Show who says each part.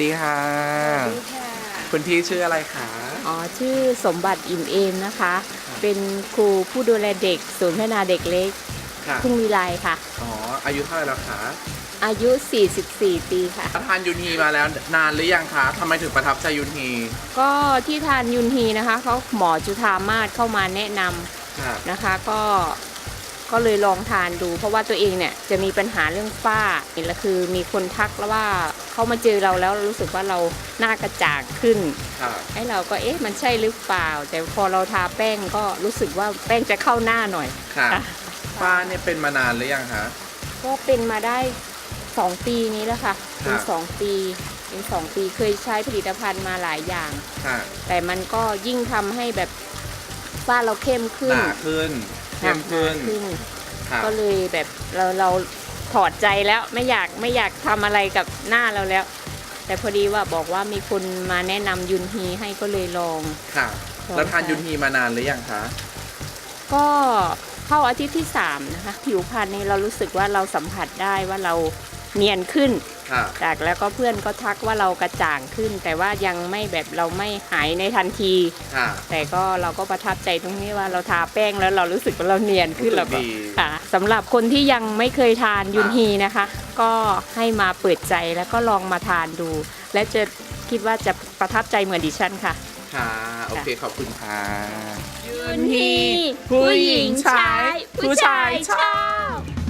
Speaker 1: ดีค่ะ
Speaker 2: สวัสดีค่ะ
Speaker 1: คุณพี่ชื่ออะไรคะ
Speaker 2: อ๋อชื่อสมบัติอิ่มเอมนะคะ เป็นครูผู้ดูแลเด็กศูนย์พัฒนาเด็กเล็ก
Speaker 1: ค่ะ
Speaker 2: ทุ่งวิไลค่ะ
Speaker 1: อ๋ออายุเท่าไหร่แล้วคะ
Speaker 2: อายุ 44 ปีค่ะ
Speaker 1: ทานยูนฮีมาแล้วนานหรือยังคะทำไมถึงประทับใจยูนฮี
Speaker 2: ก็ที่ทานยุนฮีนะคะเขาหมอจุฑามาศเข้ามาแนะน
Speaker 1: ค่ะ
Speaker 2: ำนะคะก็เลยลองทานดู เพราะว่าตัวเองเนี่ยจะมีปัญหาเรื่องฝ้าแล้วคือมีคนทักแล้วว่าเขามาเจอเราแล้วรู้สึกว่าเราหน้ากระจ่างขึ้น
Speaker 1: ค่ะ
Speaker 2: ให้เราก็มันใช่หรือเปล่า แต่พอเราทาแป้งก็รู้สึกว่าแป้งจะเข้าหน้าหน่อย
Speaker 1: ค่ะฝ้าเนี่ยเป็นมานานหรือยังคะ
Speaker 2: ก็เป็นมาได้2 ปีนี้แล้วค่ะเป็น2 ปีเคยใช้ผลิตภัณฑ์มาหลายอย่าง
Speaker 1: ค่ะ
Speaker 2: แต่มันก็ยิ่งทำให้แบบฝ้าเราเข้มขึ้
Speaker 1: ห
Speaker 2: น
Speaker 1: นาขึ้นเข้มขึ้น
Speaker 2: หนาขึ้น
Speaker 1: ค่ะ
Speaker 2: ก็เลยแบบเราถอดใจแล้วไม่อยากทำอะไรกับหน้าเราแล้ว แต่พอดีว่าบอกว่ามีคนมาแนะนำยุนฮีให้ก็เลยลอง
Speaker 1: ค่ะ แล้วทานยูนฮีมานานหรือยังคะ
Speaker 2: ก็เข้าอาทิตย์ที่3นะคะผิวพรรณนี่เรารู้สึกว่าเราสัมผัสได้ว่าเราเนียนขึ้น
Speaker 1: ค่ะ
Speaker 2: จากแล้วก็เพื่อนก็ทักว่าเรากระจ่างขึ้น แต่ว่ายังไม่แบบเราไม่หายในทันที
Speaker 1: ค่ะ
Speaker 2: แต่ก็เราก็ประทับใจตรงนี้ว่าเราทาแป้งแล้วเรารู้สึกว่าเราเนียนขึ้น
Speaker 1: รู้สึ
Speaker 2: แล้ว
Speaker 1: ก
Speaker 2: ก็
Speaker 1: ดี
Speaker 2: ค่ะสำหรับคนที่ยังไม่เคยทานยุนฮีนะคะ ก็ให้มาเปิดใจแล้วก็ลองมาทานดู และจะคิดว่าจะประทับใจเหมือนดิฉันค่ะ
Speaker 1: ค่ะ โอเค ขอบคุณค่ะ
Speaker 2: ยุนฮีผู้หญิงใช้ผู้ชายชอบ